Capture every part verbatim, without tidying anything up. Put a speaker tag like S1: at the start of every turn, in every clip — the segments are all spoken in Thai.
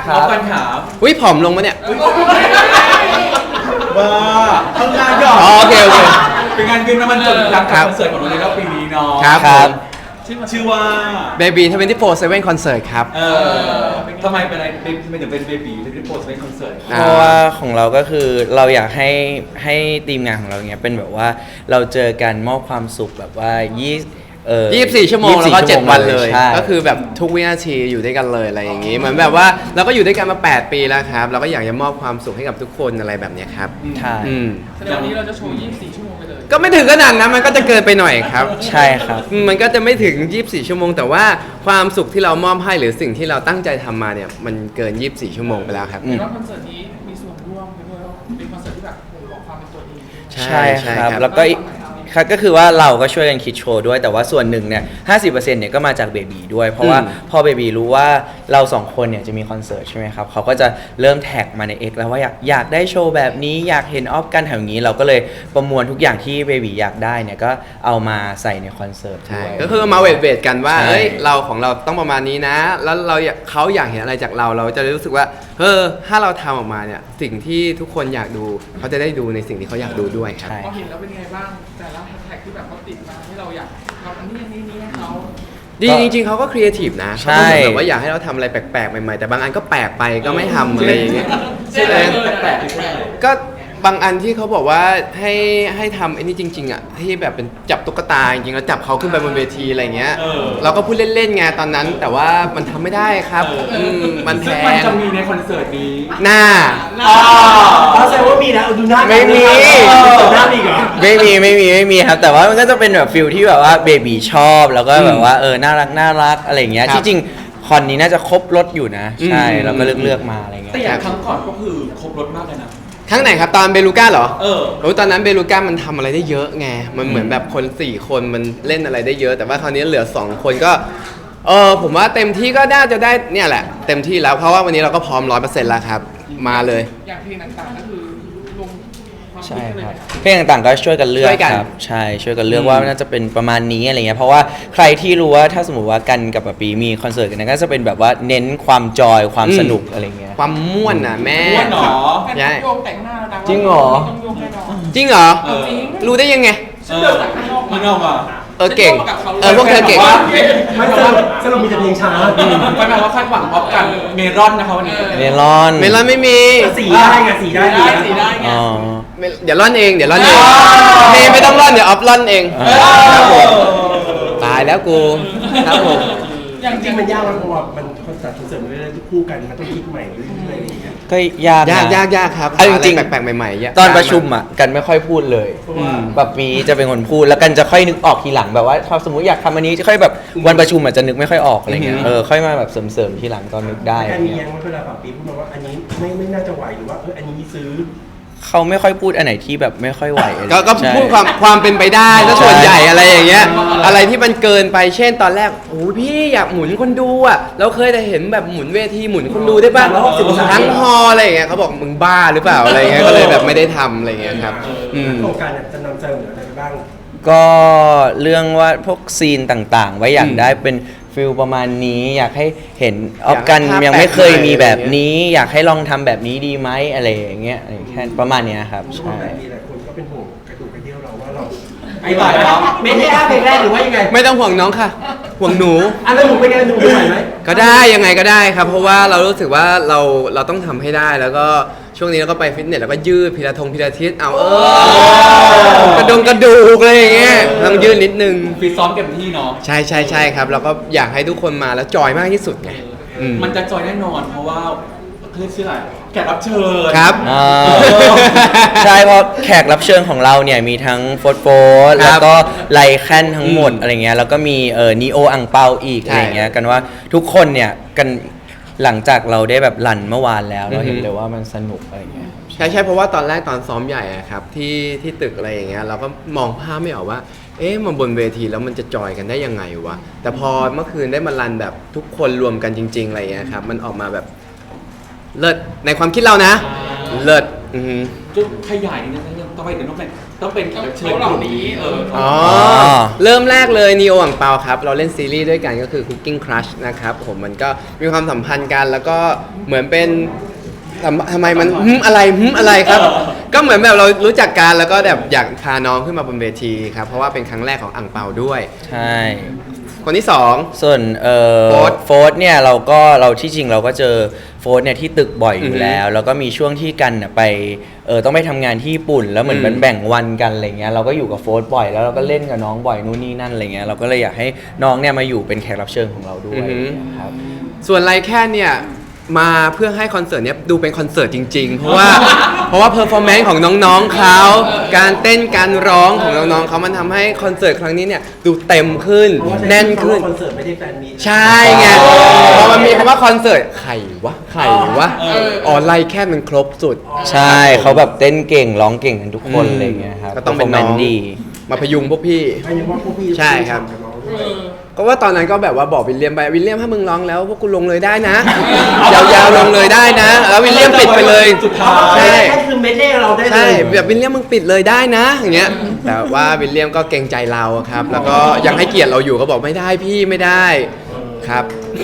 S1: ครับกันถาม
S2: อุ้ยผอมลงมาเนี่ย
S1: ว่าทำงานหยอด
S2: อ๋อโอเคโอเค
S1: เป็นงานกินน้ำมันสดหลังจากคอนเสิร์ตของเราในรอบปีนี้เนาะ
S2: ครับ
S3: ค
S2: ผ
S3: รับ
S2: ม
S1: ชื่อว่า
S2: Baby ยี่สิบสี่ เซเว่น Concert ครับ
S1: เออทำไมเป็นอะไรทำไมถึงเป็นเบบีทำไมถึงโพสต์เป็นคอนเสิร์ต
S2: อ่า
S3: เพราะว่าของเราก็คือเราอยากให้ให้ทีมงานของเราเนี้ยเป็นแบบว่าเราเจอกันมอบความสุขแบบว่ายี่เออ
S2: ยี่สิบสี่ ชั่วโมงแล้วก็
S3: ยี่สิบสี่
S2: เจ็ดวันเลย
S3: ใช่
S2: ก็คือแบบทุกวินาทีอยู่ด้วยกันเลยอะไรอย่างงี้ เหมือนแบบว่าเราก็อยู่ด้วยกันมา แปด ปีแล้วครับ เราก็อยากจะมอบความสุขให้กับทุกคนอะไรแบบเนี้ยครับ
S3: ใช่
S2: อืม
S4: แสดงวันนี้เราจะโชว์ ยี่สิบสี่ ชั่วโมงไปเลย
S2: ก็ไม่ถึงขนาดนั้นมันก็จะเกินไปหน่อยครับ
S3: ใช่ครับ
S2: อืมมันก็จะไม่ถึง ยี่สิบสี่ ชั่วโมง แต่ว่าความสุขที่เรามอบให้หรือสิ่งที่เราตั้งใจทำมาเนี่ยมันเกิน ยี่สิบสี่ ชั่วโมงไปแล้วครับ
S3: อืม
S4: เห็นว่าคอนเสิร์ตนี้มีส่วนร่วมไปด้วยว่าเป็นคอนเสิร์ตที่แบบบ่งบอกความเป็นตัวเอง
S3: ใช่ครับแล้วก็อีกครับก็คือว่าเราก็ช่วยกันคิดโชว์ด้วยแต่ว่าส่วนหนึ่งเนี่ยห้าสิบเปอร์เซ็นต์เนี่ยก็มาจากเบบีด้วยเพราะว่า
S2: อืม
S3: พอเบบีรู้ว่าเราสองคนเนี่ยจะมีคอนเสิร์ตใช่ไหมครับเขาก็จะเริ่มแท็กมาใน X แล้วว่าอยากอยากได้โชว์แบบนี้อยากเห็นออฟกันแถวนี้เราก็เลยประมวลทุกอย่างที่เบบีอยากได้เนี่ยก็เอามาใส่ในคอนเสิร์ต
S2: ใช่
S3: ด้วย
S2: ก็คือมาเวทเวทกันว่า
S3: ใช่
S2: เอ้ยเราของเราต้องประมาณนี้นะ แล้วเราอยากเขาอยากเห็นอะไรจากเราเราจะรู้สึกว่าเออถ้าเราทำออกมาเนี่ยสิ่งที่ทุกคนอยากดูเขาจะได้ดูในสิ่งที่เขาอยากดูด้วยครับ
S3: ใช่
S4: พอเห็นแล้วเป็นไงบ้างแต่ละแฮชแท็กที่แบบเขาติดมาที่เราอยากทำอันนี้อันนี้นี้ให้เขา
S2: ดีจริงๆเขาก็ครีเอทีฟนะ
S3: ใช่
S2: เขาก็เหมือนแบบว่าอยากให้เราทำอะไรแปลกๆใหม่ๆแต่บางอันก็แปลกไปก็ไม่ทำอะไรอย่างเงี้ย
S4: ใช่ไหม
S1: แปลกๆใช่ไหม
S2: ก็บางอันที่เขาบอกว่าให้ให้ทำไอ้นี่จริงๆอ่ะที่แบบเป็นจับตุ๊กตาจริงๆแล้วจับเขาขึ้นไปบนเวทีอะไรเงี้ย
S1: เออ
S2: เราก็พูดเล่นๆไงตอนนั้น แต่ว่ามันทำไม่ได้ครับอืมมันแพ
S1: ซึ่งมัน
S2: ง
S1: จะมีในคอนเสิร์ตนี้
S2: หน้า
S1: อ๋อ
S5: อ๋อแสดงว่ามีนะเอาดูหน้า
S3: ไม่มี
S5: ดูหน้ามีอีกเหรอ
S3: ไม่มีไม่มีไม่มีครับแต่ว่ามันก็จะเป็นแบบฟิลที่แบบว่าเบบีชอบแล้วก็แบบว่าเออน่ารักน่ารักอะไรอย่างเงี้ย
S2: ครับ
S3: ที่จริงคอนนี้น่าจะครบรถอยู่นะ ใช่
S2: อืม
S3: เราก็เลือกเลือกมาอะไรเงี้ย
S1: แต่อย่างครั้งก่อนก็คือครบรถมากเลยนะ
S2: ครั้งไหนครับตอนเบลูก้าเหรอ
S1: เออ
S2: โอ้ยตอนนั้นเบลูก้ามันทำอะไรได้เยอะไง มันเหมือนแบบคนสี่คนมันเล่นอะไรได้เยอะ แต่ว่าคราวนี้เหลือสองคนก็ เออผมว่าเต็มที่ก็น่าจะได้เนี่ยแหละ เต็มที่แล้วเพราะว่าวันนี้เราก็พร้อมร้อยเปอร์เซ็นต์แล้วครับ มาเลย
S4: อย่างเพลงต่างๆก็คือลงความ
S3: ใช่
S4: คิดกันเลย
S3: ครับ
S4: ไหม
S3: เพลงต่างๆก็ช่วยกันเลือก
S2: ช่วยกัน
S3: ครับใช่ช่วยกันเลือก
S2: อืม
S3: ว่าน่าจะเป็นประมาณนี้อะไรเงี้ยเพราะว่าใครที่รู้ว่าถ้าสมมติว่ากันกับปะปีมีคอนเสิร์ตกันนะก็จะเป็นแบบว่าเน้นความจอยความสนุกอะไรเงี้ย
S2: ความม่วนน่ะแม่
S1: ม่วนเหรอ
S2: ใช่
S4: โยงแต่งหน้าแล้วนะว่า
S3: จริงเหรอ
S4: ต้องโยงแน่นอน
S2: จริงเหรอ
S1: เออ
S2: รู้ได้ยังไง
S1: เออมันออกมา
S2: เออเก่ง เออพวกเธอเก่ง
S5: ไม่สรุปสรุปมีแต่เพลงช้า
S1: ไม่แปลว่าคาดหวังพบกันเมรอนนะคะวันนี้
S3: เมลอน
S2: เมลอนไม่มี
S5: สีได้ไงสีได้
S4: ได้สีได้ไง
S3: อ๋อ
S2: ไม่เดี๋ยวร่อนเอง เดี๋ยวร่อนเองเมย์ไม่ต้องร่อน เดี๋ยวออฟร่อนเอง
S3: เออ
S2: ครับผมตายแล้วกู ครับผม
S4: อย่าง
S5: จริงๆมันยากมันเพราะว่ามันคอนเสิร์ตคอนเสิร์ตมันเรื่อยๆคู่กันมันต้องคิดใหม่เรื่อยๆอะไรอย่างเงี้ย
S3: ก็ยากนะ
S2: ยากยากยากครับ
S3: เอาจริงๆ
S2: หาอะไแปลกๆใหม่ๆยาก
S3: ตอน
S2: ยากาก
S3: ประชุมอ่ะกันไม่ค่อยพูดเลย
S5: อืม
S3: แบบมีจะเป็นคนพูดแล้วกันจะค่อยนึกออกทีหลังแบบว่าถ้าสมมติอยากทำอันนี้จะค่อยแบบวันประชุมอาจจะนึกไม่ค่อยออกอะไรเงี้ยเออค่อยมาแบบเสริมๆทีหลังตอนนึกได้
S5: แค่
S3: อะไร
S5: มี
S3: เงี้
S5: ยั
S3: ย
S5: งไม่เวลาปรับปีพูดมาว่าอันนี้ไม่ไม่น่าจะไหวหรือว่าเอออันนี้ซื้อ
S3: เขาไม่ค่อยพูดอันไหนที่แบบไม่ค่อยไหวอะไร
S2: ก็ก็
S3: ใช่
S2: พูดความความเป็นไปได้แล้วส่วน
S3: ใช่
S2: ใหญ่อะไรอย่างเงี้ย อะไรที่มันเกินไป เช่นตอนแรก โอ้ยพี่อยากหมุนคนดูอ่ะ เราเคยแต่เห็นแบบหมุนเวทีหมุนคนดูได้ป่ะ
S5: สามร้อยหกสิบองศา
S2: ทั้งฮอลล์อะไรอย่างเงี้ยเขาบอกมึงบ้าหรือเปล่าอะไรอย่างเงี้ย ก็เลยแบบไม่ได้ทำอะไรอย่างเงี้ยครับ อืม
S5: โครงการเนี่ยจะนำเสนออะไรไปบ้าง
S3: ก็เรื่องว่าพวกซีนต่างๆ ไว้อยากได้เป็นฟิลประมาณนี้ อยากให้เห็นออฟกัน
S2: อยากให้ภาพ
S3: ยังไม่เคยมีแบบ
S2: แปลกใหม่
S3: นี้ อยากให้ลองทำแบบนี้ดีไหมอะไรอย่างเงี้ยแค่ประมาณเนี้ยครับ
S5: รู้
S3: ใช่
S5: ว่ามีหลายคนก็เป็นห่วงกระดูกกระเดี่ยวเราว่าเรา
S1: ไอ้ตายแล้ว
S5: ไม่ได้เพลงแรกหรือว่ายังไง
S2: ไม่ต้องห่วงน้องค่ะ ห่วงหนู
S5: อันนั้นหนูเป็นไงหนูไหวไหม
S2: ก็ได้ยังไงก็ได้ครับ เพราะว่าเรารู้สึกว่าเราเราต้องทำให้ได้แล้วก็ช่วงนี้เราก็ไปฟิตเนสแล้วก็ยืดพิลาทงพิลาทิสเอาเออกระดงกระดูกอะไรอย่างเงี้ยต้องยืดนิดนึง
S1: ฟิตซ้อมเต็มที่เนาะ
S2: ใช่ใช่ใช่ครับเราก็อยากให้ทุกคนมาแล้วจอยมากที่สุดไงอืม
S1: มันจะจอยแน่นอนเพราะว่าเขาเรียกชื่ออะไรแขกรับเชิญ
S2: ครับ
S3: อ่า ใช่เพราะแขกรับเชิญของเราเนี่ยมีทั้งโฟร์โฟร์
S2: ค
S3: แล้
S2: รั
S3: ว
S2: บ
S3: ก็ไลแคนทั้งหมด
S2: อืม
S3: อะไรเงี้ยแล้วก็มีเอ่อนีโออังเปาอีก
S2: ใช่
S3: อะไรเงี้ยกันว่าทุกคนเนี่ยกันหลังจากเราได้แบบรันเมื่อวานแล้วเราเห็น
S2: อือฮึ
S3: เลยว่ามันสนุกอะไรเงี้ย
S2: ใช่ใช่เพราะว่าตอนแรกตอนซ้อมใหญ่อะครับที่ที่ตึกอะไรอย่างเงี้ยเราก็มองภาพไม่ออกว่า เอ๊ะมันบนเวทีแล้วมันจะจอยกันได้ยังไงวะแต่พอเมื่อคืนได้มารันแบบทุกคนรวมกันจริง ๆอะไรอย่างเงี้ยครับมันออกมาแบบเลิศในความคิดเรานะ เลิศอือฮึ
S1: จุดขยายนิดนึงต่อไปเดี๋ยวน้องแม่ต้องเป็นแขกรับเชิญกลุ่มนี้เออ
S2: อ๋อ เริ่มแรกเลยนีโออ่างเปาครับ เราเล่นซีรีส์ด้วยกันก็คือ Cooking Crush นะครับผมมันก็มีความสัมพันธ์กันแล้วก็เหมือนเป็นทำทำไมมันหึมอะไรหึมอะไรครับ ก็เหมือนแบบเรารู้จักกันแล้วก็แบบอยากพาน้องขึ้นมาบนเวทีครับเพราะว่าเป็นครั้งแรกของอ่างเปาด้วย
S3: ใช่
S2: คนที่สอง
S3: ส่วนเอ่อ
S2: โฟร์ธ
S3: โฟร์ธเนี่ยเราก็เราที่จริงเราก็เจอโฟร์ธเนี่ยที่ตึกบ่อยอ
S2: อื
S3: ยู่
S2: อฮึ
S3: แล้ว แล้วก็มีช่วงที่กันน่ะไปเออต้องไปทำงานที่ญี่ปุ่น แล้วเหมือน
S2: อืม
S3: มันแบ่งวันกันอะไรเงี้ยเราก็อยู่กับโฟร์ธบ่อยแล้วเราก็เล่นกับน้องบ่อยนู่นนี่นั่นอะไรเงี้ยเราก็เลยอยากให้น้องเนี่ยมาอยู่เป็นแขกรับเชิญของเราด้วยครับ
S2: ส่วนไรแค่เนี่ยมาเพื่อให้คอนเสิร์ตเนี้ยดูเป็นคอนเสิร์ตจริงๆ เพราะว่า เพราะว่าเพอร์ฟอร์แมนซ์ของน้องๆเขาการเต้นการร้องของน้องๆเขามันทำให้คอนเสิร์ตครั้งนี้เนี่ยดูเต็มขึ้น
S5: เพราะว่า
S2: แน่นขึ้น
S5: คอนเสิร์ตไม่ได้แฟนมีต
S2: ใช่ไงพอมันมีคำว่าคอนเสิร์ตไข่วะไข่วะอ๋อไลแค่มันครบสุด
S3: ใช่เขาแบบเต้นเก่งร้องเก่งกันทุกคน
S2: อืม
S3: อะไรเงี้ยครับ
S2: ก็ต้องเป็นน้อง
S3: performance ดี
S2: มาพยุงพวกพี่
S5: อันนี้ว่าพวกพี่
S2: ใช่ครับ
S5: กับน้อง
S4: เออ
S2: ก็ว่าตอนนั้นก็แบบว่าบอกวิลเลียมไปวิลเลียมถ้ามึงร้องแล้วพวกกูลงเลยได้นะ ยาวๆลงเลยได้นะ แล้ววิลเลียมปิดไปเลย
S1: สุดท้าย
S2: ใช่
S5: แค่คือเมดเล่เราได้เล
S2: ใช่
S5: ย
S2: แบบวิลเลียมมึงปิดเลยได้นะอย่างเงี้ยแต่ว่าวิลเลียมก็เกรงใจเราครับ แล้วก็ยังให้เกียรติเราอยู่ก็บอกไม่ได้พี่ไม่ได้ครับ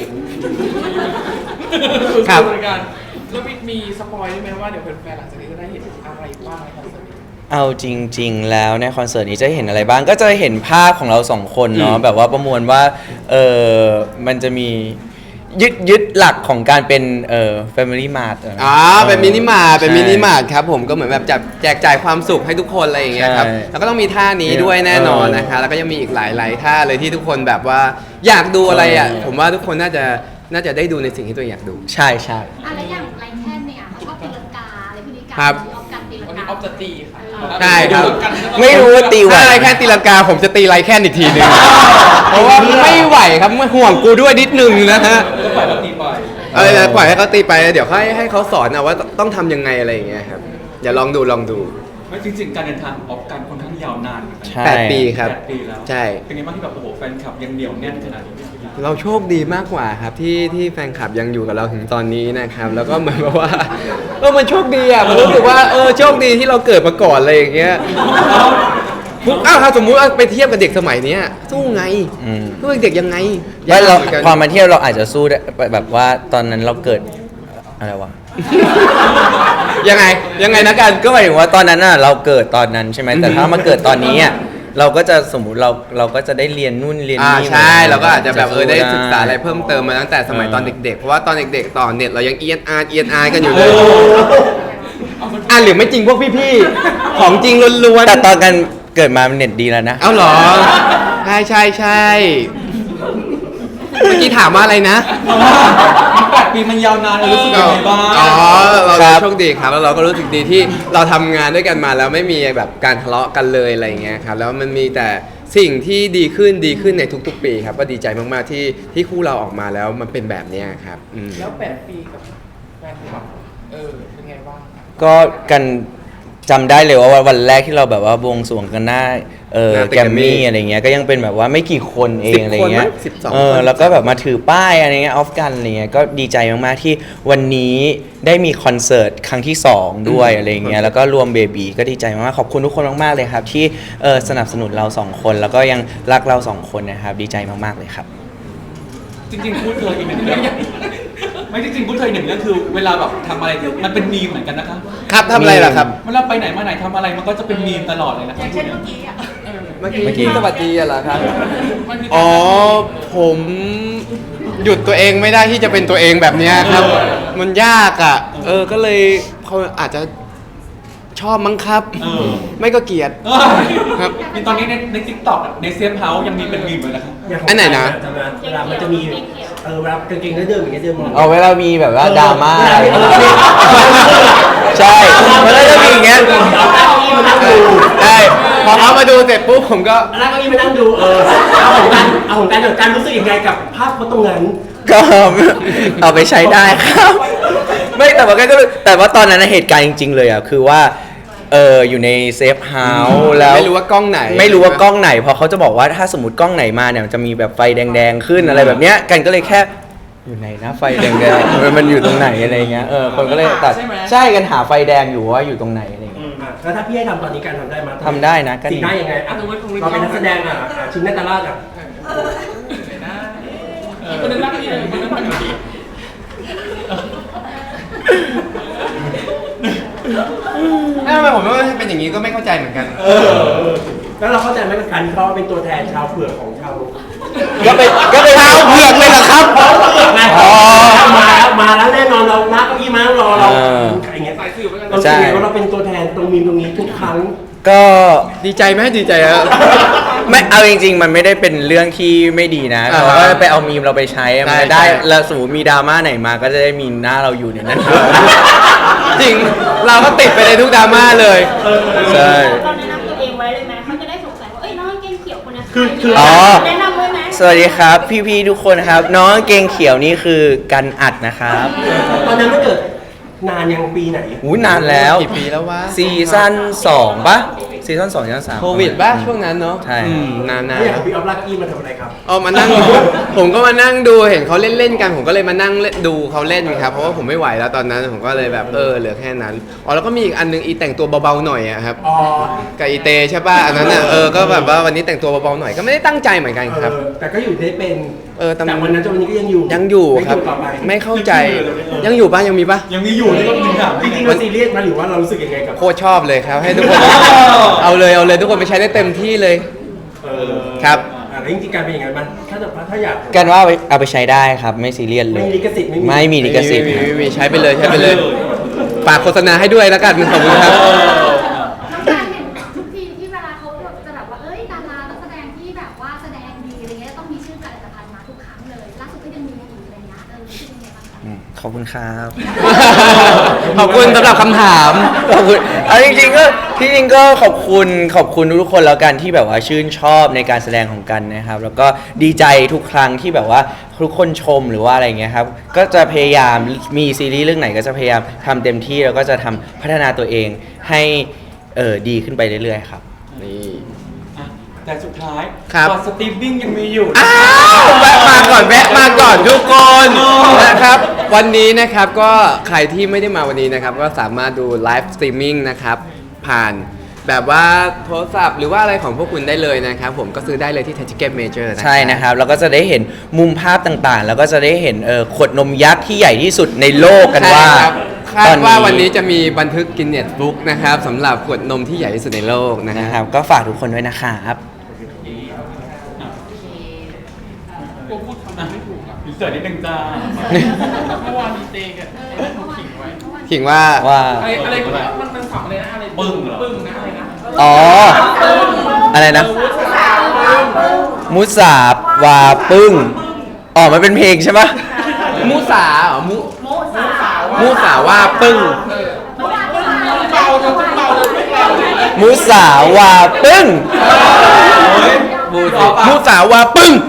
S2: ครับ
S4: เหมือนกันแล้วมีมีสปอยได้ไหมว่าเดี๋ยวแฟนๆหลังจากนี้จะได้เห็นอะไรบ้างในคอนเสิร์ตนี้
S3: เอาจริง ๆ แล้วในคอนเสิร์ตนี้จะเห็นอะไรบ้างก็จะเห็นภาพของเราสองคนเนาะ
S2: อืม
S3: แบบว่าประมวลว่าเออมันจะมียึดยึดหลักของการเป็นเอ่อ Family Mart ะ
S2: อ๋อเป็นมินิมาร์ทเป็น
S3: ใช่
S2: มินิมาร์ทครับผมก็เหมือนแบบจับแจกจ่ายความสุขให้ทุกคนอะไรอย่างเงี้ยครับ
S3: ใช่
S2: แล้วก็ต้องมีท่านี้ด้วยแน่นอนนะคะแล้วก็ยังมีอีกหลายๆท่าเลยที่ทุกคนแบบว่าอยากดูอะไรอ่ะผมว่าทุกคนน่าจะน่าจะได้ดูในสิ่งที่ตัวเองอยากดู
S3: ใช่ใช่
S6: อะไรอย่างไรแค่เนี่ยเขาชอบตีลังกาอะไรพวกนี้กัน
S2: ครับ
S6: ออกกันตีลัง
S4: วัน
S6: กา
S4: นี้ออฟจะตีค่ะ
S2: ใช่ครับ
S3: ไม่รู้ว่าตีไหว
S2: ถ้าไรแค่ตีลังกาผมจะตีไรแค่อีกทีหนึงเพราะว่าไม่ไหวครับไม่ห่วงกูด้วยนิดนึงนะฮะ
S1: ก็ปล่อยเราตีไป
S2: เออปล่อยให้เขาตีไปเดี๋ยวให้ให้เขาสอนเอาว่าต้องทำยังไงอะไรอย่างเงี้ยครับอย่าลองดูลองดู
S1: ไม่จริงๆ การเดินทางของออฟกันค่อนข้างยาวนานเหมือนกัน
S3: ใช่
S2: แปดปีครับ
S1: แปดปีแล้ว
S2: ใช่
S1: เป็นไงบ้างที่แบบโอ้โหแฟนคลับยังเหนียวแน่นขนาดนี้
S2: เราโชคดีมากกว่าครับที่ที่แฟนคลับยังอยู่กับเราถึงตอนนี้นะครับ แล้วก็เหมือนแบบว่าเออมันโชคดีอ่ะมันรู้สึกว่าเออโชคดีที่เราเกิดมาก่อนอะไรอย่างเงี้ยปุ๊บอ้าวถ้าสมมุติว่าไปเทียบกับเด็กสมัยเนี้ยสู้ไง
S3: อืม
S2: สู้กับเด็กยังไง
S3: ไม่เรา
S2: ยกหมือนกัน
S3: ความมาเที่ยวเราอาจจะสู้ได้แบบว่าตอนนั้นเราเกิดอะไรวะ
S2: ยังไงยังไงนะกัน
S3: ก็หมายถึงว่าตอนนั้นน่ะเราเกิดตอนนั้นใช่ไหมแต่ถ้ามาเกิดตอนนี้อ่ะเราก็จะสมมุติเราเราก็จะได้เรียนนู่นเรียน
S2: อ่า
S3: นี่
S2: ใช่เราก็อาจจะแบบเออได้
S3: สู้
S2: ศึกษาอะไรเพิ่มเติมมาตั้งแต่สมัยตอนเด็กๆ เพราะว่าตอนเด็กๆต่อเน็ตเรายังเอียนอาร์เอียนอาร์กันอยู่เลยอ่ะหรือไม่จริงพวกพี่ๆของจริงล้วนๆ
S3: แต่ตอนกันเกิดมามันเน็ตดีแล้วนะ
S2: เอ้าเหรอ ใช่ใช่ใช่เมื่อกี้ถามว่าอะไรนะ
S1: แปดปีมันยาวนานเรารู้สึกยังไงบ้าง
S2: อ๋อ เรา
S3: ครับ
S2: โชคดีครับ แล้วเราก็รู้สึกดีที่เราทำงานด้วยกันมาแล้วไม่มีแบบการทะเลาะกันเลยอะไรอย่างเงี้ยครับ แล้วมันมีแต่สิ่งที่ดีขึ้นดีขึ้นในทุกๆ ปีครับ ก็ดีใจมากๆที่ที่คู่เราออกมาแล้วมันเป็นแบบเนี้ยครับอืม
S4: แล้วแปดปีกับแฟนคลับเออเป็นไงบ้าง
S3: ก็กันจำได้เลยว่าวันแรกที่เราแบบว่าบวงสรวงกันหน้าเออ
S2: หน้าตึก
S3: แกรม
S2: Grammy
S3: มี่อะไรเงี้ยก็ยังเป็นแบบว่าไม่กี่คนเอ
S2: สิ
S3: ง
S2: บ
S3: อะไรเงี้ย
S2: คนมั้งสิบสอง
S3: เออ
S2: คน
S3: แล้วก็แบบมาถือป้ายอะไรเงี้ยออฟกันอะไรเงี้ยก็ดีใจมากๆที่วันนี้ได้มีคอนเสิร์ตครั้งที่สองด้วยอะไรเงี้ยแล้วก็รวมเบบีก็ดีใจมากๆขอบคุณทุกคนมากๆเลยครับที่เออสนับสนุนเราสองคนแล้วก็ยังรักเราสองคนนะครับดีใจมากๆเลยครับ
S1: จริงๆพูดเคยอีกหนึ่งเรื่องไม่จริงๆพูดเคยหนึ่งเรื่องคือเวลาแบบทำอะไรมันเป็นมีมเหมือนกันนะคะ
S2: ครับทำอะไรล่ะครับ
S1: เวลาไปไหนมาไหนทำอะไรมันก็จะเป็นมีมตลอดเลยนะ
S6: อย่างเช่นเมื่อกี้อ่ะ
S4: เออ
S2: เมื่อกี้
S3: เมื่อกี้
S2: ที่สวัสดีอะเหรอครับ
S4: มันมี
S2: อ๋อ ผมหยุดตัวเองไม่ได้ที่จะเป็นตัวเองแบบเนี้ยครับ มันยากอ่ะ เออ ก็เลยเขาอาจจะชอบมั้งครับ
S1: เออ
S2: ไม่ก็เกลียด ครับ
S1: มีตอนนี้ในในทิกตอกในเซฟเฮาส์ยังมีเป็นมีมเลยนะครับ
S5: ย่างขง
S2: อันไหนนะ
S5: จำด้เวลามันจะมีเออเวลากางเกงเดิมอย่างเงี้ยเดิมมอง
S3: เอาเวลามีแบบว่าดราม่า
S5: เออเออ
S3: ใช่มันก็จะมีอย่างเงี้ย
S5: เอาเก้าอี้มานั่งดู
S2: ใช่พอเขามาดูเสร็จปุ๊บผมก็
S5: แล้วเก้าอี้มานั่งดูเออเอาของการเอาของการเดี๋ยวการรู้สึกยังไงกับภาพตรงนั้น
S3: ก็เอาไปใช้ได้ครับ ไม่แต่ว่าก็แต่ว่าตอนนั้นนะเหตุการณ์จริง ๆ เลยอ่ะคือว่าเอออยู่ในเซฟเฮาส์แล้ว
S2: ไม่รู้ว่ากล้องไหน
S3: ไม่รู้ว่ากล้องไหนเพราะเขาจะบอกว่าถ้าสมมติกล้องไหนมาเนี่ยมันจะมีแบบไฟแดงๆขึ้นอะไรแบบเนี้ยกันก็เลยแค่อยู่ไหนนะไฟแดงๆมันอยู่ตรงไหนอะไรเงี้ยเออคนก็เลยตัดใช่กันหาไฟแดงอยู่ว่าอยู่ตรงไหนอะไร
S5: อื
S3: เงี้ย
S5: มอ่ะแแล้วถ้าพี่ให้ทำตอนนี้การทำได้ไหม
S3: ทำได้นะก็ดี
S5: สิ่งได้ยังไงอ่ะเราเป็นนักแสดงอ่ะอ่ะชิงนาตาลาดอ่ะ
S4: ไหนนะอีกคนนึงรักอีกคนนึงรักอีก
S2: ทำไมผมว่าเป็นอย่างนี้ก็ไม่เข้าใจเหมือนกัน
S5: เออแล้วเราเข้าใจไหมกับการที่เขาเป็นตัวแทนชาวเผือกของชาว
S3: ก็ไปก็ไปเท้าเผือกเลยเหรอครับ
S5: ไง
S3: อ๋อ
S5: มาแล้วมาแล้วแน่นอนเรานักเก้าอี้มาแล้วรอเรา
S3: เออ
S5: อย่างเงี้ย
S4: สายสืบเหมือนกัน
S5: เรา
S3: ใช่
S5: เชื่อว่าเราเป็นตัวแทนตรงมีมตรงนี้ทุกครั้ง
S3: ก็
S2: ดีใจไหมดีใจครับ
S3: ไม่เอาจริง ๆ มันไม่ได้เป็นเรื่องที่ไม่ดีนะ
S2: อ่า
S3: เราก็ไปเอามีมเราไปใช้มัน
S2: ใช่
S3: จะได้
S2: ใช่
S3: แล้วสมมติมีดราม่าไหนมาก็จะได้มีหน้าเราอยู่ในนั้น
S2: จริง เราก็ติดไปในทุกดราม่าเลย
S3: ใช่
S6: ตอนแนะนำตัวเองไว้เลยไหมเขาจะได้สงสัยว่า เอ้ยน้องกางเกงเขียวคนนี้
S5: คือคือ
S3: อ๋อ
S6: แนะนำไว้ไหม
S3: สวัสดีครับ พี่ๆทุกคนครับ น้องกางเกงเขียวนี่คือกันอัดนะครับ
S5: ตอนนั้นมันเกิดนานยังปีไหน
S3: อู้นานแล้ว
S2: กี่ปีแล้ววะ
S3: ซีซั่นสองปะซีซั่นสองซีซั่นสาม
S2: โควิดป่ะช่วงนั้นเนาะ
S3: ใช่
S2: อืมนาน
S5: ไม่อยาก
S2: ๆ
S5: ให้พี่ออฟลักกี้มาทำอะไรครับ
S2: เอามานั่ง ผมก็มานั่งดูเห็นเขาเล่นเล่นๆกัน ผมก็เลยมานั่งเล่นดูเขาเล่นครับ เพราะว่าผมไม่ไหวแล้วตอนนั้น ผมก็เลยแบบเออเหลือแค่นั้น อ๋อแล้วก็มีอีกอันนึงอีแต่งตัวเบาๆหน่อยอะครับ
S5: อ๋อ
S2: กับอีเตใช่ป่ะ อันนั้นอ่ะเออ ก็แบบว่าวันนี้แต่งตัวเบาๆหน่อยก็ไม่ได้ตั้งใจเหมือนกันครับ
S5: เออแต่ก็อยู่ได้เป็น
S2: เออแต่
S5: แต่วันนั้นจนวันนี้ก็ยังอยู่
S2: ยังอยู่ครับ
S5: ต่อไป
S2: ไม่เข้าใจ ยังอยู่ป่ะยังมีป่ะ
S1: ยังมีอยู่นี่ก็จริงอ่ะ
S5: จริงๆเราซีเรียสมาหรือว่าเรารู้สึกยังไงกับ
S2: โคตรชอบเลยครับ ให้ทุกคน เอาเลยเอาเลยทุกคนไปใช้ได้เต็มที่เลย
S5: เออ
S2: ครับ
S5: อ่ะแล้วจริงๆการเป็นอย่างนั้นมันถ้าจะถ้าอยาก
S3: กันว่าเอาไปเอาไปใช้ได้ครับ ไม่ซีเรียสเลย
S5: ไม่มีลิขสิทธิ์ไม่มี
S3: ไม่มีลิขสิทธิ์
S2: มีมีมีใช้ไปเลยใช้ไปเลย ฝากโฆษณาให้ด้วยแล้วกันขอบคุณครับ
S6: น้องการเห็นทุกทีที่เวลาเขาจะแบบว่า เอ้ยดารานักแสดงที่แบบว่าแสดงดีอะไรเงี้ยต้องมีชื่อผลิตภัณฑ์มาทุกครั้งเลยล่าสุดก็ยังมีในอีกอะไรเงี้ยเออรู้สึกยังไงบ้างคะ
S3: อืมขอบคุณครับ
S2: ขอบคุณสำหรับคำถาม
S3: ขอบคุณเอาจริงๆก็ที่จริงก็ขอบคุณขอบคุณทุกๆคนแล้วกันที่แบบว่าชื่นชอบในการแสดงของกันนะครับ แล้วก็ดีใจทุกครั้งที่แบบว่าทุกคนชมหรือว่าอะไรเงี้ยครับก็จะพยายามมีซีรีส์เรื่องไหนก็จะพยายามทำเต็มที่แล้วก็จะทำพัฒนาตัวเองให้เออดีขึ้นไปเรื่อยๆครับ
S2: นี่
S1: อ่ะแต่สุดท้าย
S2: ครับ
S1: ตอนสตรีมมิ่งยังมีอยู่
S2: อ้าวแวะมาก่อนแวะมาก่อนทุกคนนะครับ วันนี้นะครับก็ใครที่ไม่ได้มาวันนี้นะครับ ก็สามารถดูไลฟ์สตรีมมิ่งนะครับ ผ่านแบบว่าโทรศัพท์หรือว่าอะไรของพวกคุณได้เลยนะครับ ผมก็ซื้อได้เลยที่ Ticket Major นะ
S3: ใช่นะครับแล้วก็จะได้เห็นมุมภาพต่างๆ แล้วก็จะได้เห็นเออขวดนมยักษ์ที่ใหญ่ที่สุดในโลกกันว่า
S2: ใช่ครับคา
S3: ตอ
S2: ดว่าวันนี้จะมีบันทึกกินเน็ตบุ๊กนะครับสำหรับขวดนมที่ใหญ่ที่สุดในโลกนะ
S3: นะ
S2: ค
S3: ครับ รับก็ฝากทุกคนด้วยนะครับ
S4: กูพูดคำนั้นไม่ถูกอ่ะ
S1: อินเสิร์ตนิดนึงจ้า
S4: เมื่อวานมีเตกัน
S6: เออเมื่อวาน
S4: ขิงไว้
S6: เมื่อวาน
S2: ขิงว่า
S3: ว่า
S4: อะไรอะไรกูมันมันฝังอะไรนะอะไร
S1: ปึ้งเหรอ
S4: ปึ้งนะอะไรนะ
S3: อ๋อ อะไรนะ มุสาวาปึ้งอ๋อมันเป็นเพลงใช่ปะ
S2: มูสาเหรอมู
S6: โมสาว
S2: มูสาว่าปึ้ง
S6: เมื่อวานเมื่อวาน
S4: เบาจนเบาเลยไม่เบาเลย
S3: มุสาวาปึ้ง
S2: มูสามูสาวาปึ้ง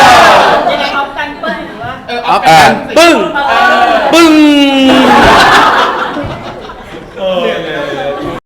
S6: ยังไงออฟกันเปิ้ลหรือว่า
S4: เออ
S2: ออฟ
S3: เออ
S2: กันปึ้ง ปึ้ง